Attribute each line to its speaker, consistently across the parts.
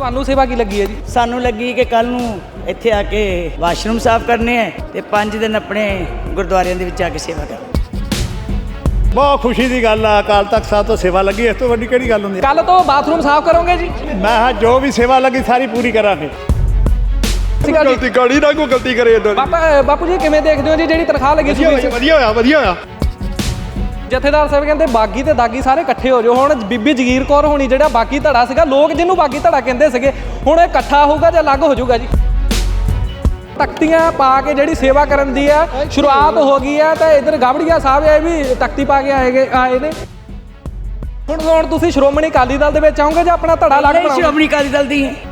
Speaker 1: ਤੁਹਾਨੂੰ ਸੇਵਾ ਕੀ ਲੱਗੀ ਹੈ ਜੀ?
Speaker 2: ਸਾਨੂੰ ਲੱਗੀ ਕਿ ਕੱਲ ਨੂੰ ਇੱਥੇ ਆ ਕੇ ਵਾਸ਼ਰੂਮ ਸਾਫ਼ ਕਰਨੇ ਹੈ ਤੇ 5 ਦਿਨ ਆਪਣੇ ਗੁਰਦੁਆਰਿਆਂ ਦੇ ਵਿੱਚ ਆ ਕੇ ਸੇਵਾ ਕਰਨੀ।
Speaker 3: ਬਹੁਤ ਖੁਸ਼ੀ ਦੀ ਗੱਲ ਆ। ਅਕਾਲ ਤਖਤ ਸਾਹਿਬ ਤੋਂ ਸੇਵਾ ਲੱਗੀ, ਇਸ ਤੋਂ ਵੱਡੀ ਕਿਹੜੀ ਗੱਲ ਹੁੰਦੀ?
Speaker 1: ਕੱਲ ਤੋਂ ਬਾਥਰੂਮ ਸਾਫ਼ ਕਰੋਗੇ ਜੀ?
Speaker 3: ਮੈਂ ਹਾਂ ਜੋ ਵੀ ਸੇਵਾ ਲੱਗੀ ਸਾਰੀ ਪੂਰੀ ਕਰਾਂਗੇ।
Speaker 4: ਗਲਤੀ ਗਾੜੀ ਨਾ ਕੋਈ ਗਲਤੀ ਕਰੇ ਇਦਾਂ।
Speaker 1: ਬਾਪੂ ਜੀ ਕਿਵੇਂ ਦੇਖਦੇ ਹੋ ਜੀ ਜਿਹੜੀ ਤਨਖਾਹ ਲੱਗੀ ਸੀ?
Speaker 4: ਵਧੀਆ ਹੋਇਆ ਵਧੀਆ ਹੋਇਆ।
Speaker 1: ਜਥੇਦਾਰ ਸਾਹਿਬ ਕਹਿੰਦੇ ਬਾਗੀ ਤੇ ਦਾਗੀ ਸਾਰੇ ਇਕੱਠੇ ਹੋ ਜਾਓ। ਹੁਣ ਬੀਬੀ ਜਗੀਰ ਕੌਰ ਹੋਣੀ ਜਿਹੜਾ ਬਾਗੀ ਧੜਾ ਸੀਗਾ, ਲੋਕ ਜਿਹਨੂੰ ਬਾਗੀ ਧੜਾ ਕਹਿੰਦੇ ਸੀਗੇ, ਹੁਣ ਇਹ ਇਕੱਠਾ ਹੋਊਗਾ ਜਾਂ ਅਲੱਗ ਹੋ ਜਾਊਗਾ ਜੀ? ਤਖਤੀਆਂ ਪਾ ਕੇ ਜਿਹੜੀ ਸੇਵਾ ਕਰਨ ਦੀ ਆ ਸ਼ੁਰੂਆਤ ਹੋ ਗਈ ਹੈ ਤਾਂ ਇਧਰ ਗਾਬੜੀਆ ਸਾਹਿਬ ਇਹ ਵੀ ਤਖਤੀ ਪਾ ਕੇ ਆਏ ਨੇ। ਹੁਣ ਤੁਸੀਂ ਸ਼੍ਰੋਮਣੀ ਅਕਾਲੀ ਦਲ ਦੇ ਵਿੱਚ ਆਉਂਗੇ ਜਾਂ ਆਪਣਾ ਧੜਾ ਅਲੱਗ ਬਣਾਓਗੇ?
Speaker 2: ਸ਼੍ਰੋਮਣੀ ਅਕਾਲੀ ਦਲ ਦੀ ਹੈ।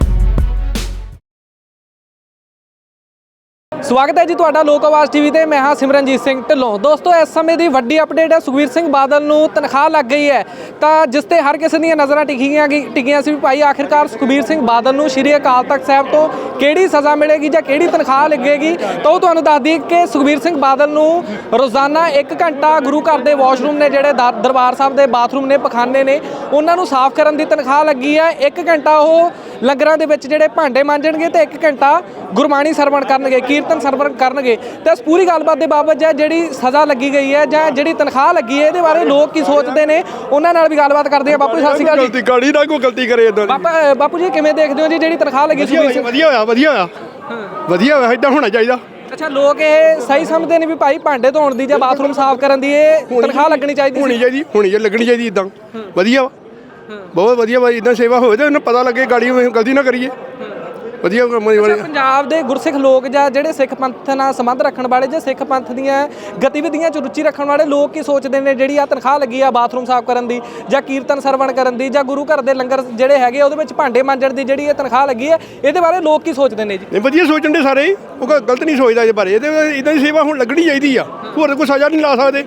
Speaker 1: ਸਵਾਗਤ ਹੈ ਜੀ ਤੁਹਾਡਾ ਲੋਕ ਆਵਾਜ਼ ਟੀਵੀ ਤੇ। ਮੈਂ ਹਾਂ ਸਿਮਰਨਜੀਤ ਸਿੰਘ ਢਿੱਲੋਂ। ਦੋਸਤੋ ਇਸ ਸਮੇਂ ਦੀ ਵੱਡੀ ਅਪਡੇਟ ਹੈ, ਸੁਖਬੀਰ ਸਿੰਘ ਬਾਦਲ ਨੂੰ ਤਨਖਾਹ ਲੱਗ ਗਈ ਹੈ ਤਾਂ ਜਿਸ ਤੇ ਹਰ ਕਿਸੇ ਦੀਆਂ ਨਜ਼ਰਾਂ ਟਿਕੀਆਂ ਸੀ ਵੀ ਭਾਈ ਆਖਿਰਕਾਰ ਸੁਖਬੀਰ ਸਿੰਘ ਬਾਦਲ ਨੂੰ ਸ਼੍ਰੀ ਅਕਾਲ ਤਖਤ ਸਾਹਿਬ ਤੋਂ ਕਿਹੜੀ ਸਜ਼ਾ ਮਿਲੇਗੀ ਜਾਂ ਕਿਹੜੀ ਤਨਖਾਹ ਲੱਗੇਗੀ। ਤਾਂ ਉਹ ਤੁਹਾਨੂੰ ਦੱਸ ਦਈਏ ਕਿ ਸੁਖਬੀਰ ਸਿੰਘ ਬਾਦਲ ਨੂੰ ਰੋਜ਼ਾਨਾ 1 ਘੰਟਾ ਗੁਰੂ ਘਰ ਦੇ ਵਾਸ਼ਰੂਮ ਨੇ, ਜਿਹੜੇ ਦਰਬਾਰ ਸਾਹਿਬ ਦੇ ਬਾਥਰੂਮ ਨੇ, ਪਖਾਨੇ ਨੇ, ਉਹਨਾਂ ਨੂੰ ਸਾਫ਼ ਕਰਨ ਦੀ ਤਨਖਾਹ ਲੱਗੀ ਹੈ। 1 ਘੰਟਾ ਉਹ ਲੰਗਰਾਂ ਦੇ ਵਿੱਚ ਜਿਹੜੇ ਭਾਂਡੇ ਮਾਂਜਣਗੇ ਤੇ 1 ਘੰਟਾ ਗੁਰਬਾਣੀ ਸਰਵਣ ਕਰਨਗੇ, ਕੀਰਤਨ ਸਰਵਣ ਕਰਨਗੇ। ਤੇ ਇਸ ਪੂਰੀ ਗੱਲਬਾਤ ਦੇ ਬਾਬਤ ਜਿਹੜੀ ਸਜ਼ਾ ਲੱਗੀ ਗਈ ਹੈ ਜਾਂ ਜਿਹੜੀ ਤਨਖਾਹ ਲੱਗੀ ਹੈ, ਇਹਦੇ ਬਾਰੇ ਲੋਕ ਕੀ ਸੋਚਦੇ ਨੇ, ਉਹਨਾਂ ਨਾਲ ਵੀ ਗੱਲਬਾਤ ਕਰਦੇ ਆ। ਬਾਪੂ ਜੀ ਸਤਿ ਸ਼੍ਰੀ ਅਕਾਲ ਜੀ।
Speaker 4: ਗਲਤੀ ਗਾੜੀ ਨਾ ਕੋਈ ਗਲਤੀ ਕਰੇ ਇਦਾਂ।
Speaker 1: ਬਾਪੂ ਜੀ ਕਿਵੇਂ ਦੇਖਦੇ ਹੋ ਜੀ ਜਿਹੜੀ ਤਨਖਾਹ ਲੱਗੀ ਸੀ?
Speaker 4: ਵਧੀਆ ਹੋਇਆ ਵਧੀਆ ਹੋਇਆ ਵਧੀਆ ਹੋਇਆ, ਏਦਾਂ ਹੋਣਾ ਚਾਹੀਦਾ।
Speaker 1: ਅੱਛਾ, ਲੋਕ ਇਹ ਸਹੀ ਸਮਝਦੇ ਨੇ ਵੀ ਭਾਈ ਭਾਂਡੇ ਧੋਣ ਦੀ ਜਾਂ ਬਾਥਰੂਮ ਸਾਫ਼ ਕਰਨ ਦੀ ਇਹ ਤਨਖਾਹ ਲੱਗਣੀ ਚਾਹੀਦੀ?
Speaker 4: ਹੋਣੀ ਲੱਗਣੀ ਚਾਹੀਦੀ ਇਦਾਂ। ਵਧੀਆ ਬਹੁਤ ਵਧੀਆ ਬਾਈ, ਇਦਾਂ ਸੇਵਾ ਹੋਵੇ ਤਾਂ ਉਹਨੂੰ ਪਤਾ ਲੱਗੇ ਗਾੜੀ ਗਲਤੀ ਨਾ ਕਰੀਏ। ਵਧੀਆ
Speaker 1: ਪੰਜਾਬ ਦੇ ਗੁਰਸਿੱਖ ਲੋਕ ਜਾਂ ਜਿਹੜੇ ਸਿੱਖ ਪੰਥ ਨਾਲ ਸੰਬੰਧ ਰੱਖਣ ਵਾਲੇ ਜਾਂ ਸਿੱਖ ਪੰਥ ਦੀਆਂ ਗਤੀਵਿਧੀਆਂ 'ਚ ਰੁਚੀ ਰੱਖਣ ਵਾਲੇ ਲੋਕ ਕੀ ਸੋਚਦੇ ਨੇ ਜਿਹੜੀ ਆ ਤਨਖਾਹ ਲੱਗੀ ਆ ਬਾਥਰੂਮ ਸਾਫ਼ ਕਰਨ ਦੀ ਜਾਂ ਕੀਰਤਨ ਸਰਵਣ ਕਰਨ ਦੀ ਜਾਂ ਗੁਰੂ ਘਰ ਦੇ ਲੰਗਰ ਜਿਹੜੇ ਹੈਗੇ ਉਹਦੇ ਵਿੱਚ ਭਾਂਡੇ ਮਾਂਜਣ ਦੀ ਜਿਹੜੀ ਇਹ ਤਨਖਾਹ ਲੱਗੀ ਹੈ, ਇਹਦੇ ਬਾਰੇ ਲੋਕ ਕੀ ਸੋਚਦੇ ਨੇ ਜੀ?
Speaker 4: ਨਹੀਂ, ਵਧੀਆ ਸੋਚਣ ਦੇ ਸਾਰੇ, ਉਹ ਗਲਤ ਨਹੀਂ ਸੋਚਦਾ ਇਹਦੇ ਬਾਰੇ। ਇਹਦੇ ਇਦਾਂ ਦੀ ਸੇਵਾ ਹੁਣ ਲੱਗਣੀ ਚਾਹੀਦੀ ਆ, ਹੋਰ ਕੋਈ ਸਜ਼ਾ ਨਹੀਂ ਲਾ ਸਕਦੇ।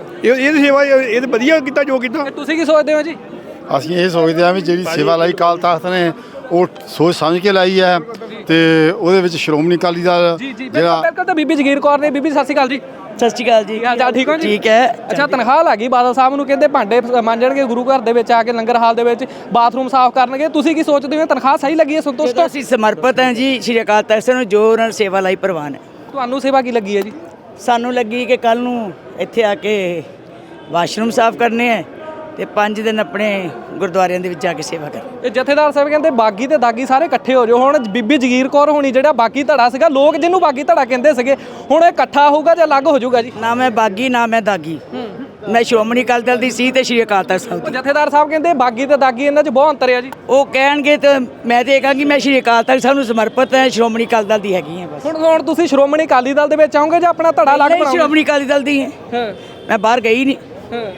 Speaker 4: ਇਹ ਸੇਵਾ ਇਹ ਵਧੀਆ ਕੀਤਾ ਜੋ ਕੀਤਾ।
Speaker 1: ਤੁਸੀਂ ਕੀ ਸੋਚਦੇ ਹੋ ਜੀ?
Speaker 5: ਅਸੀਂ ਇਹ ਸੋਚਦੇ ਹਾਂ ਵੀ ਜਿਹੜੀ ਸੇਵਾ ਲਾਈ ਅਕਾਲ ਤਖਤ ਨੇ ਉਹ ਸੋਚ ਸਮਝ ਕੇ ਲਾਈ ਹੈ ਤੇ ਉਹਦੇ ਵਿੱਚ ਸ਼੍ਰੋਮਣੀ ਅਕਾਲੀ ਦਲ
Speaker 1: ਜਿਹੜਾ ਬਿਲਕੁਲ। ਤਾਂ ਬੀਬੀ ਜਗੀਰ ਕੌਰ ਨੇ, ਬੀਬੀ ਸਤਿ ਸ਼੍ਰੀ ਅਕਾਲ ਜੀ।
Speaker 2: ਸਤਿ ਸ਼੍ਰੀ ਅਕਾਲ ਜੀ।
Speaker 1: ਹਾਲ ਚਾਲ ਠੀਕ ਹੋ ਜੀ?
Speaker 2: ਠੀਕ ਹੈ।
Speaker 1: ਅੱਛਾ, ਤਨਖਾਹ ਲੱਗੀ ਬਾਦਲ ਸਾਹਿਬ ਨੂੰ, ਕਹਿੰਦੇ ਭਾਂਡੇ ਮਾਂਜਣਗੇ ਗੁਰੂ ਘਰ ਦੇ ਵਿੱਚ ਆ ਕੇ, ਲੰਗਰ ਹਾਲ ਦੇ ਵਿੱਚ ਬਾਥਰੂਮ ਸਾਫ਼ ਕਰਨਗੇ। ਤੁਸੀਂ ਕੀ ਸੋਚਦੇ ਹੋ? ਤਨਖਾਹ ਸਹੀ ਲੱਗੀ ਹੈ? ਸੰਤੁਸ਼ਟ ਹੋ?
Speaker 2: ਅਸੀਂ ਸਮਰਪਿਤ ਹਾਂ ਜੀ ਸ਼੍ਰੀ ਅਕਾਲ ਤਖਤ ਸਾਹਿਬ ਨੂੰ, ਜੋ ਉਹਨਾਂ ਨੇ ਸੇਵਾ ਲਈ ਪ੍ਰਵਾਨ ਹੈ।
Speaker 1: ਤੁਹਾਨੂੰ ਸੇਵਾ ਕੀ ਲੱਗੀ ਹੈ ਜੀ?
Speaker 2: ਸਾਨੂੰ ਲੱਗੀ ਕਿ ਕੱਲ ਨੂੰ ਇੱਥੇ ਆ ਕੇ ਵਾਸ਼ਰੂਮ ਸਾਫ਼ ਕਰਨੇ ਹੈ ਤੇ 5 ਦਿਨ ਆਪਣੇ ਗੁਰਦੁਆਰਿਆਂ ਦੇ ਵਿੱਚ ਆ ਕੇ ਸੇਵਾ ਕਰਨੀ।
Speaker 1: ਇਹ ਜਥੇਦਾਰ ਸਾਹਿਬ ਕਹਿੰਦੇ ਬਾਗੀ ਤੇ ਦਾਗੀ ਸਾਰੇ ਇਕੱਠੇ ਹੋ ਜਾਓ। ਹੁਣ ਬੀਬੀ ਜਗੀਰ ਕੌਰ ਹੋਣੀ ਜਿਹੜਾ ਬਾਗੀ ਧੜਾ ਸੀਗਾ, ਲੋਕ ਜਿਹਨੂੰ ਬਾਗੀ ਧੜਾ ਕਹਿੰਦੇ ਸੀਗੇ, ਹੁਣ ਇਹ ਇਕੱਠਾ ਹੋਊਗਾ ਜਾਂ ਅਲੱਗ ਹੋ ਜਾਊਗਾ ਜੀ?
Speaker 2: ਨਾ ਮੈਂ ਬਾਗੀ ਨਾ ਮੈਂ ਦਾਗੀ, ਮੈਂ ਸ਼੍ਰੋਮਣੀ ਅਕਾਲੀ ਦਲ ਦੀ ਸੀ ਤੇ ਸ਼੍ਰੀ ਅਕਾਲ ਤਖਤ ਸਾਹਿਬ ਦੀ।
Speaker 1: ਜਥੇਦਾਰ ਸਾਹਿਬ ਕਹਿੰਦੇ ਬਾਗੀ ਤੇ ਦਾਗੀ ਇਹਨਾਂ 'ਚ ਬਹੁਤ ਅੰਤਰ ਹੈ ਜੀ।
Speaker 2: ਉਹ ਕਹਿਣਗੇ ਤਾਂ ਮੈਂ ਤੇ ਇਹ ਕਹਾਂਗੀ ਮੈਂ ਸ਼੍ਰੀ ਅਕਾਲ ਤਖਤ ਸਾਹਿਬ ਨੂੰ ਸਮਰਪਿਤ ਹਾਂ, ਸ਼੍ਰੋਮਣੀ ਅਕਾਲੀ ਦਲ ਦੀ ਹੈਗੀ ਹਾਂ ਬਸ।
Speaker 1: ਹੁਣ ਤੁਸੀਂ ਸ਼੍ਰੋਮਣੀ ਅਕਾਲੀ ਦਲ ਦੇ ਵਿੱਚ ਆਉਂਗੇ ਜਾਂ ਆਪਣਾ ਧੜਾ ਅਲੱਗ ਬਣਾਓਗੇ?
Speaker 2: ਸ਼੍ਰੋਮਣੀ ਅਕਾਲੀ ਦਲ ਦੀ ਹੈ, ਮੈਂ ਬਾਹਰ ਗਈ ਨਹੀਂ।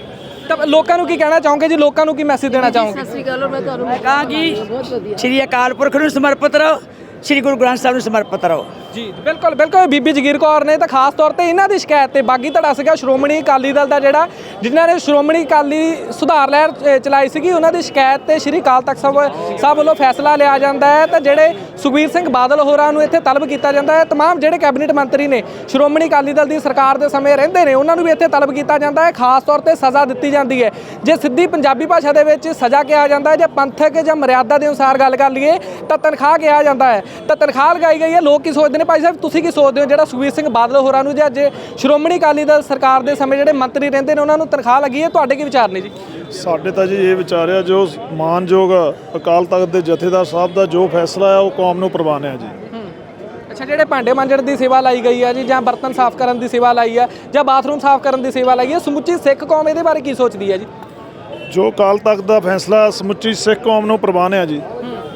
Speaker 1: ਤਾਂ ਲੋਕਾਂ ਨੂੰ ਕੀ ਕਹਿਣਾ ਚਾਹੋਗੇ ਜੀ? ਲੋਕਾਂ ਨੂੰ ਕੀ ਮੈਸੇਜ ਦੇਣਾ ਚਾਹੋਗੇ?
Speaker 2: ਸਤਿ ਸ਼੍ਰੀ ਅਕਾਲ। ਮੈਂ ਤੁਹਾਨੂੰ ਕਹਾਂਗੀ ਸ਼੍ਰੀ ਅਕਾਲ ਪੁਰਖ ਨੂੰ ਸਮਰਪਿਤ ਰਹੋ, ਸ਼੍ਰੀ ਗੁਰੂ ਗ੍ਰੰਥ ਸਾਹਿਬ ਨੂੰ ਸਮਰਪਿਤ ਰਹੋ।
Speaker 1: ਜੀ ਬਿਲਕੁਲ ਬਿਲਕੁਲ। ਬੀਬੀ ਜਗੀਰ ਕੌਰ ਨੇ ਤਾਂ ਖਾਸ ਤੌਰ ਤੇ ਇਹਨਾਂ ਦੀ ਸ਼ਿਕਾਇਤ ਤੇ ਬਾਗੀ ਧੜਾ ਸੀਗਾ ਸ਼੍ਰੋਮਣੀ ਅਕਾਲੀ ਦਲ ਦਾ, ਜਿਹੜਾ ਜਿਨ੍ਹਾਂ ਨੇ ਸ਼੍ਰੋਮਣੀ ਅਕਾਲੀ ਸੁਧਾਰ ਲਹਿਰ ਚਲਾਈ ਸੀਗੀ, ਉਹਨਾਂ ਦੀ ਸ਼ਿਕਾਇਤ ਤੇ ਸ਼੍ਰੀ ਅਕਾਲ ਤਖਤ ਸਾਹਿਬ ਵੱਲੋਂ ਫੈਸਲਾ ਲਿਆ ਜਾਂਦਾ ਹੈ ਤਾਂ ਜਿਹੜੇ ਸੁਖਬੀਰ ਸਿੰਘ ਬਾਦਲ ਹੋਰਾਂ ਨੂੰ ਇੱਥੇ ਤਲਬ ਕੀਤਾ ਜਾਂਦਾ ਹੈ। ਤਮਾਮ ਜਿਹੜੇ ਕੈਬਨਿਟ ਮੰਤਰੀ ਨੇ ਸ਼੍ਰੋਮਣੀ ਅਕਾਲੀ ਦਲ ਦੀ ਸਰਕਾਰ ਦੇ ਸਮੇਂ ਰਹਿੰਦੇ ਨੇ, ਉਹਨਾਂ ਨੂੰ ਵੀ ਇੱਥੇ ਤਲਬ ਕੀਤਾ ਜਾਂਦਾ ਹੈ। ਖਾਸ ਤੌਰ ਤੇ ਸਜ਼ਾ ਦਿੱਤੀ ਜਾਂਦੀ ਹੈ। ਜੇ ਸਿੱਧੀ ਪੰਜਾਬੀ ਭਾਸ਼ਾ ਦੇ ਵਿੱਚ ਸਜ਼ਾ ਕਿਹਾ ਜਾਂਦਾ ਹੈ, ਜੇ ਪੰਥਕ ਜਾਂ ਮਰਿਆਦਾ ਦੇ ਅਨੁਸਾਰ ਗੱਲ ਕਰ ਲਈਏ ਤਾਂ ਤਨਖਾਹ ਕਿਹਾ ਜਾਂਦਾ ਹੈ। ਤਾਂ ਤਨਖਾਹ ਲਗਾਈ ਗਈ ਹੈ। ਲੋਕ ਕੀ ਸੋਚਦੇ ਨੇ? ਭਾਈ ਸਾਹਿਬ ਤੁਸੀਂ ਕੀ ਸੋਚਦੇ ਹੋ ਜਿਹੜਾ ਸੁਖਬੀਰ ਸਿੰਘ ਬਾਦਲ ਹੋਰਾਂ ਨੂੰ ਜਾਂ ਜੇ ਸ਼੍ਰੋਮਣੀ ਅਕਾਲੀ ਦਲ ਸਰਕਾਰ ਦੇ ਸਮੇਂ ਜਿਹੜੇ ਮੰਤਰੀ ਰਹਿੰਦੇ ਨੇ ਉਹਨਾਂ ਨੂੰ ਤਨਖਾਹ ਲੱਗੀ ਹੈ, ਤੁਹਾਡੇ ਕੀ ਵਿਚਾਰ ਨੇ ਜੀ?
Speaker 6: ਸਾਡੇ ਤਾਂ ਜੀ ਇਹ ਵਿਚਾਰ ਆ, ਜੋ ਮਾਨਯੋਗ ਅਕਾਲ ਤਖਤ ਦੇ ਜਥੇਦਾਰ ਸਾਹਿਬ ਦਾ ਜੋ ਫੈਸਲਾ ਆ ਉਹ ਕੌਮ ਨੂੰ ਪ੍ਰਵਾਨ ਹੈ ਜੀ।
Speaker 1: ਅੱਛਾ, ਜਿਹੜੇ ਭਾਂਡੇ ਮਾਂਜਣ ਦੀ ਸੇਵਾ ਲਾਈ ਗਈ ਹੈ ਜੀ, ਜਾਂ ਬਰਤਨ ਸਾਫ਼ ਕਰਨ ਦੀ ਸੇਵਾ ਲਾਈ ਹੈ, ਜਾਂ ਬਾਥਰੂਮ ਸਾਫ਼ ਕਰਨ ਦੀ ਸੇਵਾ ਲਾਈ ਹੈ, ਸਮੁੱਚੀ ਸਿੱਖ ਕੌਮ ਇਹਦੇ ਬਾਰੇ ਕੀ ਸੋਚਦੀ ਹੈ ਜੀ?
Speaker 6: ਜੋ ਅਕਾਲ ਤਖਤ ਦਾ ਫੈਸਲਾ ਸਮੁੱਚੀ ਸਿੱਖ ਕੌਮ ਨੂੰ ਪ੍ਰਵਾਨ ਹੈ ਜੀ।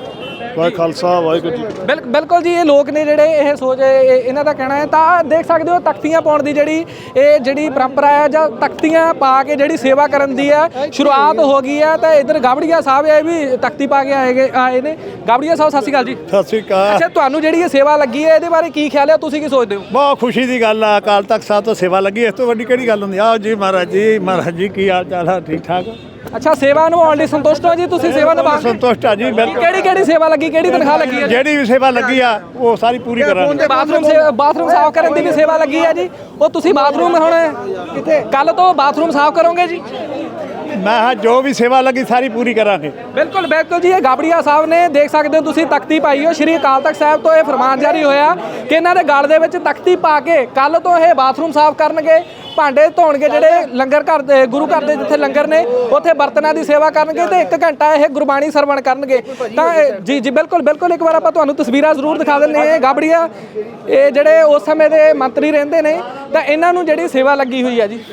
Speaker 6: ਵਾਹਿ ਖਾਲਸਾ ਵਾਹਿਗੁਰੂ ਜੀ।
Speaker 1: ਬਿਲਕੁਲ ਜੀ। ਇਹ ਲੋਕ ਨੇ ਜਿਹੜੇ ਇਹ ਸੋਚ ਇਹਨਾਂ ਦਾ ਕਹਿਣਾ ਹੈ। ਤਾਂ ਦੇਖ ਸਕਦੇ ਹੋ ਤਖਤੀਆਂ ਪਾਉਣ ਦੀ ਜਿਹੜੀ ਪਰੰਪਰਾ ਹੈ ਜਾਂ ਤਖਤੀਆਂ ਪਾ ਕੇ ਜਿਹੜੀ ਸੇਵਾ ਕਰਨ ਦੀ ਹੈ ਸ਼ੁਰੂਆਤ ਹੋ ਗਈ ਹੈ। ਤਾਂ ਇੱਧਰ ਗਾਬੜੀਆ ਸਾਹਿਬ ਇਹ ਵੀ ਤਖਤੀ ਪਾ ਕੇ ਆਏ ਨੇ। ਗਾਬੜੀਆ ਸਾਹਿਬ ਸਤਿ ਸ਼੍ਰੀ ਅਕਾਲ ਜੀ।
Speaker 3: ਸਤਿ ਸ਼੍ਰੀ ਅਕਾਲ।
Speaker 1: ਅੱਛਾ, ਤੁਹਾਨੂੰ ਜਿਹੜੀ ਇਹ ਸੇਵਾ ਲੱਗੀ ਹੈ ਇਹਦੇ ਬਾਰੇ ਕੀ ਖਿਆਲ ਹੈ? ਤੁਸੀਂ ਕੀ ਸੋਚਦੇ ਹੋ?
Speaker 3: ਬਹੁਤ ਖੁਸ਼ੀ ਦੀ ਗੱਲ ਆ। ਅਕਾਲ ਤਖਤ ਸਾਹਿਬ ਤੋਂ ਸੇਵਾ ਲੱਗੀ, ਇਸ ਤੋਂ ਵੱਡੀ ਕਿਹੜੀ ਗੱਲ ਹੁੰਦੀ? ਆਓ ਜੀ ਮਹਾਰਾਜ ਜੀ। ਮਹਾਰਾਜ ਜੀ ਕੀ ਹਾਲ ਚਾਲ ਆ? ਠੀਕ ਠਾਕ।
Speaker 1: ਅੱਛਾ, ਸੇਵਾ ਨਿਭਾਉਣ ਲਈ ਸੰਤੁਸ਼ਟ ਹੋ ਜੀ? ਤੁਸੀਂ ਸੇਵਾ ਨਿਭਾ
Speaker 3: ਸੰਤੁਸ਼ਟ ਆ ਜੀ।
Speaker 1: ਕਿਹੜੀ ਸੇਵਾ ਲੱਗੀ, ਕਿਹੜੀ ਤਨਖਾਹ ਲੱਗੀ ਹੈ?
Speaker 3: ਜਿਹੜੀ ਵੀ ਸੇਵਾ ਲੱਗੀ ਆ ਉਹ ਸਾਰੀ ਪੂਰੀ ਕਰਾਂਗੇ।
Speaker 1: ਬਾਥਰੂਮ ਸਾਫ਼ ਕਰਨ ਦੀ ਵੀ ਸੇਵਾ ਲੱਗੀ ਹੈ ਜੀ। ਉਹ ਤੁਸੀਂ ਬਾਥਰੂਮ ਹੁਣ ਕੱਲ ਤੋਂ ਬਾਥਰੂਮ ਸਾਫ਼ ਕਰੋਗੇ ਜੀ?
Speaker 3: ਮੈਂ ਕਿਹਾ ਜੋ ਵੀ ਸੇਵਾ ਲੱਗੀ ਸਾਰੀ ਪੂਰੀ ਕਰਾਂਗੇ।
Speaker 1: ਬਿਲਕੁਲ ਬਿਲਕੁਲ ਜੀ, ਇਹ ਗਾਬੜੀਆ ਸਾਹਿਬ ਨੇ, ਦੇਖ ਸਕਦੇ ਹੋ ਤੁਸੀਂ ਤਖਤੀ ਪਾਈ ਹੋ। ਸ਼੍ਰੀ ਅਕਾਲ ਤਖਤ ਸਾਹਿਬ ਤੋਂ ਇਹ ਫਰਮਾਨ ਜਾਰੀ ਹੋਇਆ ਕਿ ਇਹਨਾਂ ਦੇ ਗਲ ਦੇ ਵਿੱਚ ਤਖਤੀ ਪਾ ਕੇ ਕੱਲ ਤੋਂ ਇਹ ਬਾਥਰੂਮ ਸਾਫ਼ ਕਰਨਗੇ, ਭਾਂਡੇ ਧੋਣਗੇ, ਜਿਹੜੇ ਲੰਗਰ ਘਰ ਦੇ ਗੁਰੂ ਘਰ ਦੇ ਜਿੱਥੇ ਲੰਗਰ ਨੇ ਉੱਥੇ ਬਰਤਨਾਂ ਦੀ ਸੇਵਾ ਕਰਨਗੇ ਤੇ 1 ਘੰਟਾ ਇਹ ਗੁਰਬਾਣੀ ਸਰਵਣ ਕਰਨਗੇ। ਤਾਂ ਜੀ ਜੀ ਬਿਲਕੁਲ ਬਿਲਕੁਲ, ਇੱਕ ਵਾਰ ਆਪਾਂ ਤੁਹਾਨੂੰ ਤਸਵੀਰਾਂ ਜ਼ਰੂਰ ਦਿਖਾ ਦਿੰਦੇ ਹਾਂ। ਗਾਬੜੀਆ ਇਹ ਜਿਹੜੇ ਉਸ ਸਮੇਂ ਦੇ ਮੰਤਰੀ ਰਹਿੰਦੇ ਨੇ, ਤਾਂ ਇਹਨਾਂ ਨੂੰ ਜਿਹੜੀ ਸੇਵਾ ਲੱਗੀ ਹੋਈ ਹੈ ਜੀ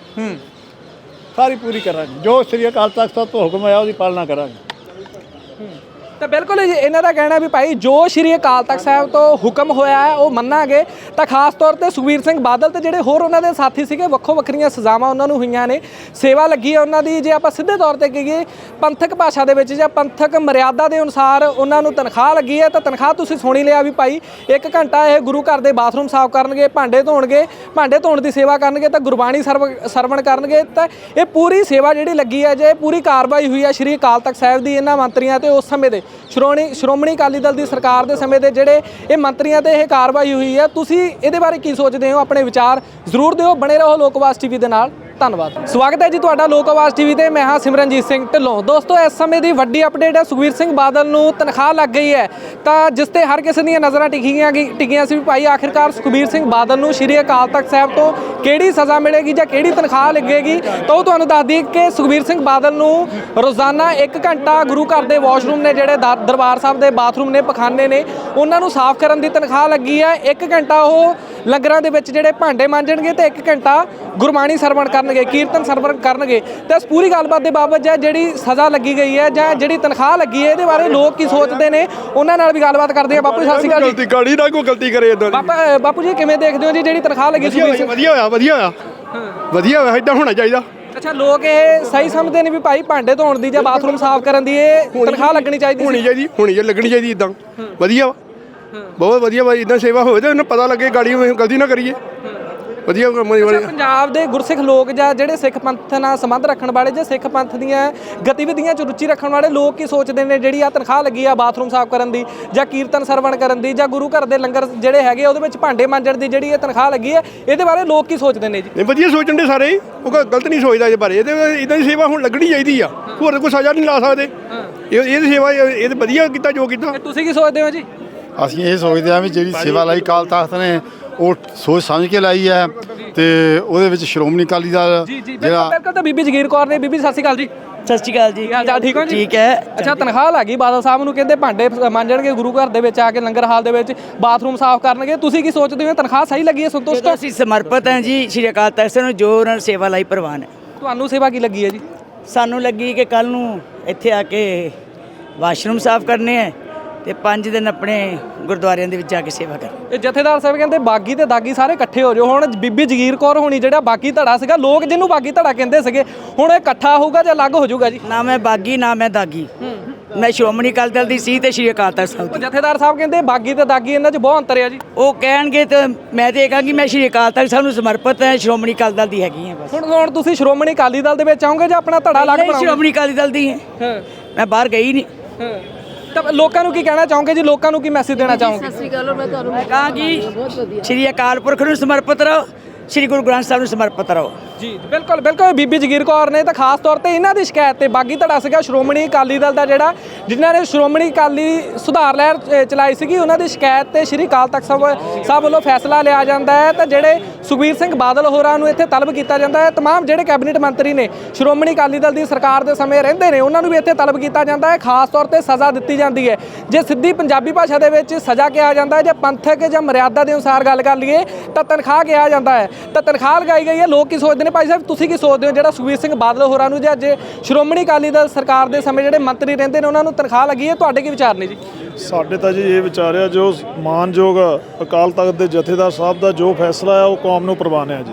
Speaker 3: ਸਾਰੀ ਪੂਰੀ ਕਰਾਂਗੇ। ਜੋ ਸ੍ਰੀ ਅਕਾਲ ਤਖਤ ਸਾਹਿਬ ਤੋਂ ਹੁਕਮ ਆਇਆ ਉਹਦੀ ਪਾਲਣਾ ਕਰਾਂਗੇ।
Speaker 1: ਤਾਂ ਬਿਲਕੁਲ ਜੀ, ਇਹਨਾਂ ਦਾ ਕਹਿਣਾ ਵੀ ਭਾਈ ਜੋ ਸ਼੍ਰੀ ਅਕਾਲ ਤਖਤ ਸਾਹਿਬ ਤੋਂ ਹੁਕਮ ਹੋਇਆ ਹੈ ਉਹ ਮੰਨਾਂਗੇ। ਤਾਂ ਖਾਸ ਤੌਰ ਤੇ ਸੁਖਬੀਰ ਸਿੰਘ ਬਾਦਲ ਤੇ ਜਿਹੜੇ ਹੋਰ ਉਹਨਾਂ ਦੇ ਸਾਥੀ ਸੀਗੇ, ਵੱਖੋ ਵੱਖਰੀਆਂ ਸਜ਼ਾਵਾਂ ਉਹਨਾਂ ਨੂੰ ਹੋਈਆਂ ਨੇ, ਸੇਵਾ ਲੱਗੀ ਹੈ ਉਹਨਾਂ ਦੀ। ਜੇ ਆਪਾਂ ਸਿੱਧੇ ਤੌਰ ਤੇ ਕਹੀਏ ਪੰਥਕ ਭਾਸ਼ਾ ਦੇ ਵਿੱਚ ਜਾਂ ਪੰਥਕ ਮਰਿਆਦਾ ਦੇ ਅਨੁਸਾਰ ਉਹਨਾਂ ਨੂੰ ਤਨਖਾਹ ਲੱਗੀ ਹੈ, ਤਾਂ ਤਨਖਾਹ ਤੁਸੀਂ ਸੁਣੀ ਲਿਆ ਵੀ ਭਾਈ 1 ਘੰਟਾ ਇਹ ਗੁਰੂ ਘਰ ਦੇ ਬਾਥਰੂਮ ਸਾਫ਼ ਕਰਨਗੇ, ਭਾਂਡੇ ਧੋਣਗੇ, ਭਾਂਡੇ ਧੋਣ ਦੀ ਸੇਵਾ ਕਰਨਗੇ, ਤਾਂ ਗੁਰਬਾਣੀ ਸਰਵਣ ਕਰਨਗੇ। ਤਾਂ ਇਹ ਪੂਰੀ ਸੇਵਾ ਜਿਹੜੀ ਲੱਗੀ ਹੈ, ਜੇ ਪੂਰੀ ਕਾਰਵਾਈ ਹੋਈ ਹੈ ਸ਼੍ਰੀ ਅਕਾਲ ਤਖਤ ਸਾਹਿਬ ਦੀ ਇਹਨਾਂ ਮੰਤਰੀਆਂ ਤੇ ਉਸ ਸਮੇਂ ਦੇ ਸ਼੍ਰੋਮਣੀ ਅਕਾਲੀ ਦਲ ਦੀ ਸਰਕਾਰ ਦੇ ਸਮੇਂ ਦੇ ਜਿਹੜੇ ਇਹ ਮੰਤਰੀਆਂ ਤੇ ਇਹ ਕਾਰਵਾਈ ਹੋਈ ਹੈ, ਤੁਸੀਂ ਇਹਦੇ ਬਾਰੇ ਕੀ ਸੋਚਦੇ ਹੋ? ਆਪਣੇ ਵਿਚਾਰ ਜ਼ਰੂਰ ਦਿਓ। ਬਣੇ ਰਹੋ ਲੋਕ ਆਵਾਜ਼ ਟੀਵੀ ਦੇ ਨਾਲ। ਧੰਨਵਾਦ। ਸਵਾਗਤ ਹੈ ਜੀ ਤੁਹਾਡਾ ਲੋਕ ਆਵਾਜ਼ ਟੀਵੀ ਤੇ। ਮੈਂ ਹਾਂ ਸਿਮਰਨਜੀਤ ਸਿੰਘ ਢਿੱਲੋਂ। ਦੋਸਤੋ, ਇਸ ਸਮੇਂ ਦੀ ਵੱਡੀ ਅਪਡੇਟ ਹੈ, ਸੁਖਬੀਰ ਸਿੰਘ ਬਾਦਲ ਨੂੰ ਤਨਖਾਹ ਲੱਗ ਗਈ ਹੈ। ਤਾਂ ਜਿਸ ਤੇ ਹਰ ਕਿਸੇ ਦੀਆਂ ਨਜ਼ਰਾਂ ਟਿਕੀਆਂ ਸੀ ਵੀ ਭਾਈ ਆਖਿਰਕਾਰ ਸੁਖਬੀਰ ਸਿੰਘ ਬਾਦਲ ਨੂੰ ਸ਼੍ਰੀ ਅਕਾਲ ਤਖਤ ਸਾਹਿਬ ਤੋਂ ਕਿਹੜੀ ਸਜ਼ਾ ਮਿਲੇਗੀ ਜਾਂ ਕਿਹੜੀ ਤਨਖਾਹ ਲੱਗੇਗੀ। ਤਾਂ ਉਹ ਤੁਹਾਨੂੰ ਦੱਸ ਦਈਏ ਕਿ ਸੁਖਬੀਰ ਸਿੰਘ ਬਾਦਲ ਨੂੰ ਰੋਜ਼ਾਨਾ 1 ਘੰਟਾ ਗੁਰੂ ਘਰ ਦੇ ਵਾਸ਼ਰੂਮ ਨੇ, ਜਿਹੜੇ ਦਰਬਾਰ ਸਾਹਿਬ ਦੇ ਬਾਥਰੂਮ ਨੇ, ਪਖਾਨੇ ਨੇ, ਉਹਨਾਂ ਨੂੰ ਸਾਫ਼ ਕਰਨ ਦੀ ਤਨਖਾਹ ਲੱਗੀ ਹੈ। 1 ਘੰਟਾ ਉਹ ਲੰਗਰਾਂ ਦੇ ਵਿੱਚ ਜਿਹੜੇ ਭਾਂਡੇ ਮਾਂਜਣਗੇ ਤੇ 1 ਘੰਟਾ ਗੁਰਬਾਣੀ ਸਰਵਣ ਕਰਨਗੇ, ਕੀਰਤਨ ਸਰਵਣ ਕਰਨਗੇ। ਤੇ ਇਸ ਪੂਰੀ ਗੱਲਬਾਤ ਦੇ ਬਾਬਤ ਜਿਹੜੀ ਸਜ਼ਾ ਲੱਗੀ ਗਈ ਹੈ ਜਾਂ ਜਿਹੜੀ ਤਨਖਾਹ ਲੱਗੀ ਹੈ, ਇਹਦੇ ਬਾਰੇ ਲੋਕ ਕੀ ਸੋਚਦੇ ਨੇ, ਉਹਨਾਂ ਨਾਲ ਵੀ ਗੱਲਬਾਤ ਕਰਦੇ ਆ। ਬਾਪੂ ਜੀ ਸਤਿ ਸ਼੍ਰੀ ਅਕਾਲ ਜੀ।
Speaker 4: ਗਾੜੀ ਨਾ ਕੋਈ ਗਲਤੀ ਕਰੇ ਇਦਾਂ ਦੀ।
Speaker 1: ਬਾਪੂ ਜੀ ਕਿਵੇਂ ਦੇਖਦੇ ਹੋ ਜੀ ਜਿਹੜੀ ਤਨਖਾਹ ਲੱਗੀ?
Speaker 4: ਵਧੀਆ ਹੋਇਆ ਵਧੀਆ ਹੋਇਆ, ਇਦਾਂ ਹੋਣਾ ਚਾਹੀਦਾ।
Speaker 1: ਅੱਛਾ, ਲੋਕ ਇਹ ਸਹੀ ਸਮਝਦੇ ਨੇ ਵੀ ਭਾਈ ਭਾਂਡੇ ਧੋਣ ਦੀ ਜਾਂ ਬਾਥਰੂਮ ਸਾਫ਼ ਕਰਨ ਦੀ ਇਹ ਤਨਖਾਹ ਲੱਗਣੀ ਚਾਹੀਦੀ,
Speaker 4: ਹੋਣੀ ਲੱਗਣੀ ਚਾਹੀਦੀ ਇਦਾਂ। ਵਧੀਆ ਬਹੁਤ ਵਧੀਆ ਵਾ, ਇਦਾਂ ਸੇਵਾ ਹੋਵੇ ਤਾਂ ਉਹਨੂੰ ਪਤਾ ਲੱਗੇ ਗਾੜੀ ਗਲਤੀ ਨਾ ਕਰੀਏ। ਵਧੀਆ
Speaker 1: ਪੰਜਾਬ ਦੇ ਗੁਰਸਿੱਖ ਲੋਕ ਜਾਂ ਜਿਹੜੇ ਸਿੱਖ ਪੰਥ ਨਾਲ ਸੰਬੰਧ ਰੱਖਣ ਵਾਲੇ ਜਾਂ ਸਿੱਖ ਪੰਥ ਦੀਆਂ ਗਤੀਵਿਧੀਆਂ 'ਚ ਰੁਚੀ ਰੱਖਣ ਵਾਲੇ ਲੋਕ ਕੀ ਸੋਚਦੇ ਨੇ ਜਿਹੜੀ ਆ ਤਨਖਾਹ ਲੱਗੀ ਆ ਬਾਥਰੂਮ ਸਾਫ਼ ਕਰਨ ਦੀ ਜਾਂ ਕੀਰਤਨ ਸਰਵਣ ਕਰਨ ਦੀ ਜਾਂ ਗੁਰੂ ਘਰ ਦੇ ਲੰਗਰ ਜਿਹੜੇ ਹੈਗੇ ਉਹਦੇ ਵਿੱਚ ਭਾਂਡੇ ਮਾਂਜਣ ਦੀ ਜਿਹੜੀ ਇਹ ਤਨਖਾਹ ਲੱਗੀ ਹੈ, ਇਹਦੇ ਬਾਰੇ ਲੋਕ ਕੀ ਸੋਚਦੇ ਨੇ ਜੀ?
Speaker 4: ਨਹੀਂ, ਵਧੀਆ ਸੋਚਣ ਦੇ ਸਾਰੇ, ਉਹ ਗਲਤ ਨਹੀਂ ਸੋਚਦਾ ਇਹਦੇ ਬਾਰੇ। ਇਹਦੇ ਇਦਾਂ ਦੀ ਸੇਵਾ ਹੁਣ ਲੱਗਣੀ ਚਾਹੀਦੀ ਆ, ਹੋਰ ਕੋਈ ਸਜ਼ਾ ਨਹੀਂ ਲਾ ਸਕਦੇ। ਇਹ ਸੇਵਾ ਇਹ ਵਧੀਆ ਕੀਤਾ ਜੋ ਕੀਤਾ।
Speaker 1: ਤੁਸੀਂ ਕੀ ਸੋਚਦੇ ਹੋ ਜੀ?
Speaker 5: ਅਸੀਂ ਇਹ ਸੋਚਦੇ ਹਾਂ ਵੀ ਜਿਹੜੀ ਸੇਵਾ ਲਾਈ ਅਕਾਲ ਤਖਤ ਨੇ ਉਹ ਸੋਚ ਸਮਝ ਕੇ ਲਾਈ ਹੈ ਤੇ ਉਹਦੇ ਵਿੱਚ ਸ਼੍ਰੋਮਣੀ ਅਕਾਲੀ ਦਲ
Speaker 1: ਜਿਹੜਾ ਬਿਲਕੁਲ। ਤਾਂ ਬੀਬੀ ਜਗੀਰ ਕੌਰ ਨੇ, ਬੀਬੀ ਸਤਿ ਸ਼੍ਰੀ ਅਕਾਲ ਜੀ।
Speaker 2: ਸਤਿ ਸ਼੍ਰੀ ਅਕਾਲ ਜੀ।
Speaker 1: ਹਾਲ ਚਾਲ ਠੀਕ ਹੋ ਜੀ?
Speaker 2: ਠੀਕ ਹੈ।
Speaker 1: ਅੱਛਾ, ਤਨਖਾਹ ਲੱਗੀ ਬਾਦਲ ਸਾਹਿਬ ਨੂੰ, ਕਹਿੰਦੇ ਭਾਂਡੇ ਮਾਂਜਣਗੇ, ਗੁਰੂ ਘਰ ਦੇ ਵਿੱਚ ਆ ਕੇ ਲੰਗਰ ਹਾਲ ਦੇ ਵਿੱਚ ਬਾਥਰੂਮ ਸਾਫ਼ ਕਰਨਗੇ। ਤੁਸੀਂ ਕੀ ਸੋਚਦੇ ਹੋ? ਤਨਖਾਹ ਸਹੀ ਲੱਗੀ ਹੈ? ਸੰਤੁਸ਼ਟ ਹੋ?
Speaker 2: ਅਸੀਂ ਸਮਰਪਿਤ ਹਾਂ ਜੀ ਸ਼੍ਰੀ ਅਕਾਲ ਤਖਤ ਸਾਹਿਬ ਨੂੰ, ਜੋ ਉਹਨਾਂ ਨੇ ਸੇਵਾ ਲਈ ਪ੍ਰਵਾਨ ਹੈ।
Speaker 1: ਤੁਹਾਨੂੰ ਸੇਵਾ ਕੀ ਲੱਗੀ ਹੈ ਜੀ?
Speaker 2: ਸਾਨੂੰ ਲੱਗੀ ਕਿ ਕੱਲ ਨੂੰ ਇੱਥੇ ਆ ਕੇ ਵਾਸ਼ਰੂਮ ਸਾਫ਼ ਕਰਨੇ ਹੈ ਤੇ 5 ਦਿਨ ਆਪਣੇ ਗੁਰਦੁਆਰਿਆਂ ਦੇ ਵਿੱਚ ਜਾ ਕੇ ਸੇਵਾ ਕਰ।
Speaker 1: ਇਹ ਜਥੇਦਾਰ ਸਾਹਿਬ ਕਹਿੰਦੇ ਬਾਗੀ ਤੇ ਦਾਗੀ ਸਾਰੇ ਇਕੱਠੇ ਹੋ ਜਾਓ। ਹੁਣ ਬੀਬੀ ਜਗੀਰ ਕੌਰ ਹੋਣੀ ਜਿਹੜਾ ਬਾਗੀ ਧੜਾ ਸੀਗਾ, ਲੋਕ ਜਿਹਨੂੰ ਬਾਗੀ ਧੜਾ ਕਹਿੰਦੇ ਸੀਗੇ, ਹੁਣ ਇਹ ਇਕੱਠਾ ਹੋਊਗਾ ਜਾਂ ਅਲੱਗ ਹੋ ਜਾਊਗਾ ਜੀ?
Speaker 2: ਨਾ ਮੈਂ ਬਾਗੀ ਨਾ ਮੈਂ ਦਾਗੀ, ਮੈਂ ਸ਼੍ਰੋਮਣੀ ਅਕਾਲੀ ਦਲ ਦੀ ਸੀ ਤੇ ਸ਼੍ਰੀ ਅਕਾਲ ਤਖਤ ਸਾਹਿਬ ਦੀ।
Speaker 1: ਜਥੇਦਾਰ ਸਾਹਿਬ ਕਹਿੰਦੇ ਬਾਗੀ ਤੇ ਦਾਗੀ ਇਹਨਾਂ 'ਚ ਬਹੁਤ ਅੰਤਰ ਹੈ ਜੀ।
Speaker 2: ਉਹ ਕਹਿਣਗੇ ਤੇ ਮੈਂ ਤੇ ਇਹ ਕਹਾਂਗੀ ਮੈਂ ਸ਼੍ਰੀ ਅਕਾਲ ਤਖਤ ਸਾਹਿਬ ਨੂੰ ਸਮਰਪਿਤ ਹਾਂ, ਸ਼੍ਰੋਮਣੀ ਅਕਾਲੀ ਦਲ ਦੀ ਹੈਗੀ ਹਾਂ ਬਸ।
Speaker 1: ਹੁਣ ਤੁਸੀਂ ਸ਼੍ਰੋਮਣੀ ਅਕਾਲੀ ਦਲ ਦੇ ਵਿੱਚ ਆਓਗੇ ਜਾਂ ਆਪਣਾ ਧੜਾ ਅਲੱਗ ਬਣਾਓਗੇ?
Speaker 2: ਸ਼੍ਰੋਮਣੀ ਅਕਾਲੀ ਦਲ ਦੀ ਹੈ, ਮੈਂ ਬਾਹਰ ਗਈ ਨਹੀਂ।
Speaker 1: ਤਾਂ ਲੋਕਾਂ ਨੂੰ ਕੀ ਕਹਿਣਾ ਚਾਹੋਗੇ ਜੀ? ਲੋਕਾਂ ਨੂੰ ਕੀ ਮੈਸੇਜ ਦੇਣਾ ਚਾਹੋਗੇ?
Speaker 7: ਸਤਿ ਸ਼੍ਰੀ ਅਕਾਲ। ਮੈਂ ਤੁਹਾਨੂੰ
Speaker 2: ਕਹਾਂਗੀ ਸ਼੍ਰੀ ਅਕਾਲ ਪੁਰਖ ਨੂੰ ਸਮਰਪਿਤ ਰਹੋ, ਸ਼੍ਰੀ ਗੁਰੂ ਗ੍ਰੰਥ ਸਾਹਿਬ ਨੂੰ ਸਮਰਪਿਤ ਰਹੋ।
Speaker 1: ਜੀ ਬਿਲਕੁਲ ਬਿਲਕੁਲ। ਬੀਬੀ ਜਗੀਰ ਕੌਰ ਨੇ ਤਾਂ ਖਾਸ ਤੌਰ ਤੇ ਇਹਨਾਂ ਦੀ ਸ਼ਿਕਾਇਤ ਤੇ ਬਾਗੀ ਧੜਾ ਸੀਗਾ ਸ਼੍ਰੋਮਣੀ ਅਕਾਲੀ ਦਲ ਦਾ, ਜਿਹੜਾ ਜਿਨ੍ਹਾਂ ਨੇ ਸ਼੍ਰੋਮਣੀ ਅਕਾਲੀ ਸੁਧਾਰ ਲਹਿਰ ਚਲਾਈ ਸੀਗੀ, ਉਹਨਾਂ ਦੀ ਸ਼ਿਕਾਇਤ ਤੇ ਸ਼੍ਰੀ ਅਕਾਲ ਤਖਤ ਸਾਹਿਬ ਵੱਲੋਂ ਫੈਸਲਾ ਲਿਆ ਜਾਂਦਾ ਹੈ। ਤਾਂ ਜਿਹੜੇ ਸੁਖਬੀਰ ਸਿੰਘ ਬਾਦਲ ਹੋਰਾਂ ਨੂੰ ਇੱਥੇ ਤਲਬ ਕੀਤਾ ਜਾਂਦਾ ਹੈ, ਤਮਾਮ ਜਿਹੜੇ ਕੈਬਨਿਟ ਮੰਤਰੀ ਨੇ ਸ਼੍ਰੋਮਣੀ ਅਕਾਲੀ ਦਲ ਦੀ ਸਰਕਾਰ ਦੇ ਸਮੇਂ ਰਹਿੰਦੇ ਨੇ, ਉਹਨਾਂ ਨੂੰ ਵੀ ਇੱਥੇ ਤਲਬ ਕੀਤਾ ਜਾਂਦਾ ਹੈ। ਖਾਸ ਤੌਰ ਤੇ ਸਜ਼ਾ ਦਿੱਤੀ ਜਾਂਦੀ ਹੈ। ਜੇ ਸਿੱਧੀ ਪੰਜਾਬੀ ਭਾਸ਼ਾ ਦੇ ਵਿੱਚ ਸਜ਼ਾ ਕਿਹਾ ਜਾਂਦਾ ਹੈ, ਜਾਂ ਪੰਥਕ ਜਾਂ ਮਰਿਆਦਾ ਦੇ ਅਨੁਸਾਰ ਗੱਲ ਕਰ ਲਈਏ ਤਾਂ ਤਨਖਾਹ ਕਿਹਾ ਜਾਂਦਾ ਹੈ। ਤਾਂ ਤਨਖਾਹ ਲਗਾਈ ਗਈ ਹੈ। ਲੋਕ ਕੀ ਸੋਚਦੇ ਨੇ? ਭਾਈ ਸਾਹਿਬ ਤੁਸੀਂ ਕੀ ਸੋਚਦੇ ਹੋ ਜਿਹੜਾ ਸੁਖਬੀਰ ਸਿੰਘ ਬਾਦਲ ਹੋਰਾਂ ਨੂੰ ਜਾਂ ਜੇ ਸ਼੍ਰੋਮਣੀ ਅਕਾਲੀ ਦਲ ਸਰਕਾਰ ਦੇ ਸਮੇਂ ਜਿਹੜੇ ਮੰਤਰੀ ਰਹਿੰਦੇ ਨੇ ਉਹਨਾਂ ਨੂੰ ਤਨਖਾਹ ਲੱਗੀ ਹੈ, ਤੁਹਾਡੇ ਕੀ ਵਿਚਾਰ ਨੇ ਜੀ?
Speaker 6: ਸਾਡੇ ਤਾਂ ਜੀ ਇਹ ਵਿਚਾਰ ਆ ਜੋ ਮਾਨਯੋਗ ਅਕਾਲ ਤਖਤ ਦੇ ਜਥੇਦਾਰ ਸਾਹਿਬ ਦਾ ਜੋ ਫੈਸਲਾ ਆ ਉਹ ਕੌਮ ਨੂੰ ਪ੍ਰਵਾਨ ਹੈ ਜੀ।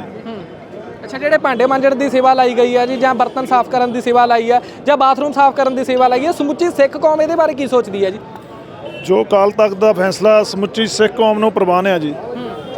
Speaker 1: ਅੱਛਾ, ਜਿਹੜੇ ਭਾਂਡੇ ਮਾਂਜਣ ਦੀ ਸੇਵਾ ਲਾਈ ਗਈ ਹੈ ਜੀ, ਜਾਂ ਬਰਤਨ ਸਾਫ਼ ਕਰਨ ਦੀ ਸੇਵਾ ਲਾਈ ਹੈ, ਜਾਂ ਬਾਥਰੂਮ ਸਾਫ਼ ਕਰਨ ਦੀ ਸੇਵਾ ਲਾਈ ਹੈ, ਸਮੁੱਚੀ ਸਿੱਖ ਕੌਮ ਇਹਦੇ ਬਾਰੇ ਕੀ ਸੋਚਦੀ ਹੈ ਜੀ?
Speaker 6: ਜੋ ਅਕਾਲ ਤਖਤ ਦਾ ਫੈਸਲਾ ਸਮੁੱਚੀ ਸਿੱਖ ਕੌਮ ਨੂੰ ਪ੍ਰਵਾਨ ਹੈ ਜੀ।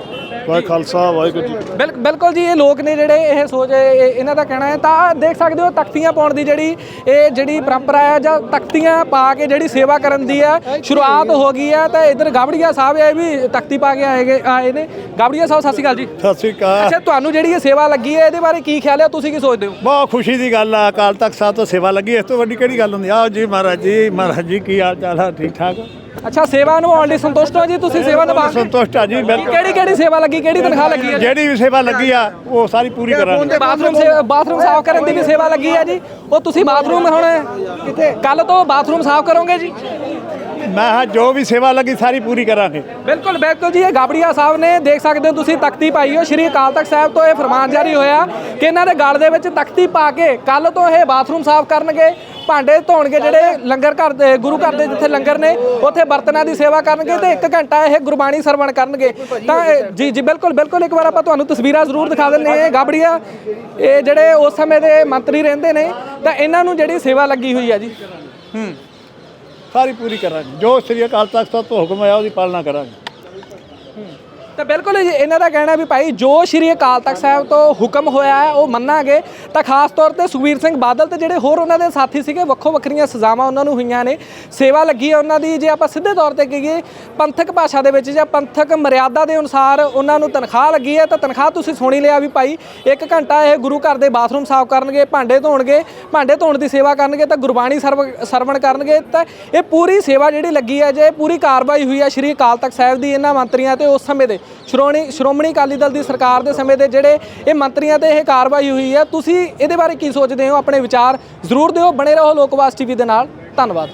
Speaker 6: ਵਾਹਿ ਖਾਲਸਾ ਵਾਹਿਗੁਰੂ ਜੀ
Speaker 1: ਬਿਲਕੁਲ ਜੀ, ਇਹ ਲੋਕ ਨੇ ਜਿਹੜੇ ਇਹ ਸੋਚ ਇਹਨਾਂ ਦਾ ਕਹਿਣਾ ਹੈ। ਤਾਂ ਦੇਖ ਸਕਦੇ ਹੋ ਤਖਤੀਆਂ ਪਾਉਣ ਦੀ ਜਿਹੜੀ ਪਰੰਪਰਾ ਹੈ ਜਾਂ ਤਖਤੀਆਂ ਪਾ ਕੇ ਜਿਹੜੀ ਸੇਵਾ ਕਰਨ ਦੀ ਹੈ ਸ਼ੁਰੂਆਤ ਹੋ ਗਈ ਹੈ। ਤਾਂ ਇੱਧਰ ਗਾਬੜੀਆ ਸਾਹਿਬ ਇਹ ਵੀ ਤਖਤੀ ਪਾ ਕੇ ਆਏ ਨੇ। ਗਾਬੜੀਆ ਸਾਹਿਬ ਸਤਿ ਸ਼੍ਰੀ ਅਕਾਲ ਜੀ।
Speaker 3: ਸਤਿ ਸ੍ਰੀ ਅਕਾਲ।
Speaker 1: ਅੱਛਾ, ਤੁਹਾਨੂੰ ਜਿਹੜੀ ਇਹ ਸੇਵਾ ਲੱਗੀ ਹੈ ਇਹਦੇ ਬਾਰੇ ਕੀ ਖਿਆਲ ਹੈ, ਤੁਸੀਂ ਕੀ ਸੋਚਦੇ ਹੋ?
Speaker 3: ਬਹੁਤ ਖੁਸ਼ੀ ਦੀ ਗੱਲ ਆ, ਅਕਾਲ ਤਖਤ ਸਾਹਿਬ ਤੋਂ ਸੇਵਾ ਲੱਗੀ, ਇਸ ਤੋਂ ਵੱਡੀ ਕਿਹੜੀ ਗੱਲ ਹੁੰਦੀ? ਆਓ ਜੀ ਮਹਾਰਾਜ ਜੀ ਕੀ ਹਾਲ ਚਾਲ ਆ? ਠੀਕ ਠਾਕ?
Speaker 1: ਅੱਛਾ, ਸੇਵਾ ਨਿਭਾਉਣ ਲਈ ਸੰਤੁਸ਼ਟ ਹੋ ਜੀ ਤੁਸੀਂ? ਸੇਵਾ ਨਿਭਾ ਕੇ
Speaker 3: ਸੰਤੁਸ਼ਟ ਆ ਜੀ, ਬਿਲਕੁਲ।
Speaker 1: ਕਿਹੜੀ ਸੇਵਾ ਲੱਗੀ, ਕਿਹੜੀ ਤਨਖਾਹ ਲੱਗੀ ਹੈ?
Speaker 3: ਜਿਹੜੀ ਵੀ ਸੇਵਾ ਲੱਗੀ ਆ ਉਹ ਸਾਰੀ ਪੂਰੀ ਕਰਾਂਗੇ।
Speaker 1: ਬਾਥਰੂਮ ਸਾਫ਼ ਕਰਨ ਦੀ ਵੀ ਸੇਵਾ ਲੱਗੀ ਹੈ ਜੀ। ਉਹ ਤੁਸੀਂ ਬਾਥਰੂਮ ਹੁਣ ਕੱਲ ਤੋਂ ਬਾਥਰੂਮ ਸਾਫ਼ ਕਰੋਗੇ ਜੀ?
Speaker 3: ਮੈਂ ਹਾਂ ਜੋ ਵੀ ਸੇਵਾ ਲੱਗੀ ਸਾਰੀ ਪੂਰੀ ਕਰਾਂਗੇ।
Speaker 1: ਬਿਲਕੁਲ ਜੀ, ਇਹ ਗਾਬੜੀਆ ਸਾਹਿਬ ਨੇ ਦੇਖ ਸਕਦੇ ਹੋ ਤੁਸੀਂ ਤਖਤੀ ਪਾਈ ਹੋ। ਸ਼੍ਰੀ ਅਕਾਲ ਤਖਤ ਸਾਹਿਬ ਤੋਂ ਇਹ ਫਰਮਾਨ ਜਾਰੀ ਹੋਇਆ ਕਿ ਇਹਨਾਂ ਦੇ ਗਲ ਦੇ ਵਿੱਚ ਤਖਤੀ ਪਾ ਕੇ ਕੱਲ ਤੋਂ ਇਹ ਬਾਥਰੂਮ ਸਾਫ਼ ਕਰਨਗੇ, ਭਾਂਡੇ ਧੋਣਗੇ, ਜਿਹੜੇ ਲੰਗਰ ਘਰ ਦੇ ਗੁਰੂ ਘਰ ਦੇ ਜਿੱਥੇ ਲੰਗਰ ਨੇ ਉੱਥੇ ਬਰਤਨਾਂ ਦੀ ਸੇਵਾ ਕਰਨਗੇ ਤੇ 1 ਘੰਟਾ ਇਹ ਗੁਰਬਾਣੀ ਸਰਵਣ ਕਰਨਗੇ। ਤਾਂ ਜੀ ਬਿਲਕੁਲ ਇੱਕ ਵਾਰ ਆਪਾਂ ਤੁਹਾਨੂੰ ਤਸਵੀਰਾਂ ਜ਼ਰੂਰ ਦਿਖਾ ਦਿੰਦੇ ਹਾਂ। ਗਾਬੜੀਆ ਇਹ ਜਿਹੜੇ ਉਸ ਸਮੇਂ ਦੇ ਮੰਤਰੀ ਰਹਿੰਦੇ ਨੇ, ਤਾਂ ਇਹਨਾਂ ਨੂੰ ਜਿਹੜੀ ਸੇਵਾ ਲੱਗੀ ਹੋਈ ਹੈ ਜੀ
Speaker 3: ਸਾਰੀ ਪੂਰੀ ਕਰਾਂਗੇ। ਜੋ ਸ੍ਰੀ ਅਕਾਲ ਤਖਤ ਸਾਹਿਬ ਤੋਂ ਹੁਕਮ ਆਇਆ ਉਹਦੀ ਪਾਲਣਾ ਕਰਾਂਗੇ।
Speaker 1: ਤਾਂ ਬਿਲਕੁਲ ਜੀ, ਇਹਨਾਂ ਦਾ ਕਹਿਣਾ ਵੀ ਭਾਈ ਜੋ ਸ਼੍ਰੀ ਅਕਾਲ ਤਖਤ ਸਾਹਿਬ ਤੋਂ ਹੁਕਮ ਹੋਇਆ ਹੈ ਉਹ ਮੰਨਾਂਗੇ। ਤਾਂ ਖਾਸ ਤੌਰ ਤੇ ਸੁਖਬੀਰ ਸਿੰਘ ਬਾਦਲ ਤੇ ਜਿਹੜੇ ਹੋਰ ਉਹਨਾਂ ਦੇ ਸਾਥੀ ਸੀਗੇ, ਵੱਖੋ ਵੱਖਰੀਆਂ ਸਜ਼ਾਵਾਂ ਉਹਨਾਂ ਨੂੰ ਹੋਈਆਂ ਨੇ, ਸੇਵਾ ਲੱਗੀ ਹੈ ਉਹਨਾਂ ਦੀ। ਜੇ ਆਪਾਂ ਸਿੱਧੇ ਤੌਰ ਤੇ ਕਹੀਏ ਪੰਥਕ ਭਾਸ਼ਾ ਦੇ ਵਿੱਚ ਜਾਂ ਪੰਥਕ ਮਰਿਆਦਾ ਦੇ ਅਨੁਸਾਰ ਉਹਨਾਂ ਨੂੰ ਤਨਖਾਹ ਲੱਗੀ ਹੈ। ਤਾਂ ਤਨਖਾਹ ਤੁਸੀਂ ਸੁਣੀ ਲਿਆ ਵੀ ਭਾਈ 1 ਘੰਟਾ ਇਹ ਗੁਰੂ ਘਰ ਦੇ ਬਾਥਰੂਮ ਸਾਫ਼ ਕਰਨਗੇ, ਭਾਂਡੇ ਧੋਣ ਦੀ ਸੇਵਾ ਕਰਨਗੇ, ਤਾਂ ਗੁਰਬਾਣੀ ਸਰਵਣ ਕਰਨਗੇ। ਤਾਂ ਇਹ ਪੂਰੀ ਸੇਵਾ ਜਿਹੜੀ ਲੱਗੀ ਹੈ, ਜੇ ਪੂਰੀ ਕਾਰਵਾਈ ਹੋਈ ਹੈ ਸ਼੍ਰੀ ਅਕਾਲ ਤਖਤ ਸਾਹਿਬ ਦੀ ਇਹਨਾਂ ਮੰਤਰੀਆਂ ਤੇ ਉਸ ਸਮੇਂ ਦੇ ਸ਼੍ਰੋਮਣੀ ਅਕਾਲੀ ਦਲ ਦੀ ਸਰਕਾਰ ਦੇ ਸਮੇਂ ਦੇ ਜਿਹੜੇ ਇਹ ਮੰਤਰੀਆਂ ਤੇ ਇਹ ਕਾਰਵਾਈ ਹੋਈ ਹੈ। ਤੁਸੀਂ ਇਹਦੇ ਬਾਰੇ ਕੀ ਸੋਚਦੇ ਹੋ? ਆਪਣੇ ਵਿਚਾਰ ਜ਼ਰੂਰ ਦਿਓ। ਬਣੇ ਰਹੋ ਲੋਕਵਾਸ ਟੀਵੀ ਦੇ ਨਾਲ। ਧੰਨਵਾਦ।